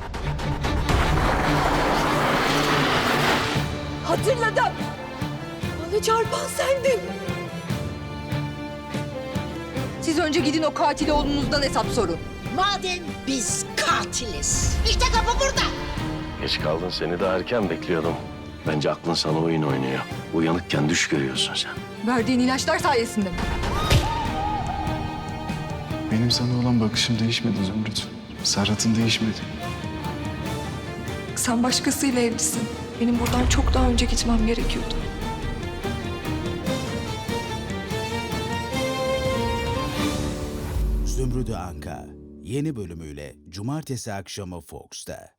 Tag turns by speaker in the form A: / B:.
A: Hatırladım. Bana çarpan sendin. Siz önce gidin o katil oğlunuzdan hesap sorun.
B: Madem biz katiliz. İşte kapı burada.
C: Geç kaldın, seni daha erken bekliyordum. Bence aklın sana oyun oynuyor. Uyanıkken düş görüyorsun sen.
A: Verdiğin ilaçlar sayesinde mi?
D: Benim sana olan bakışım değişmedi Zümrüt. Serhat'ın değişmedi.
E: Sen başkasıyla evlisin. Benim buradan çok daha önce gitmem gerekiyordu.
F: Zümrüdü Anka yeni bölümüyle Cumartesi akşamı Fox'ta.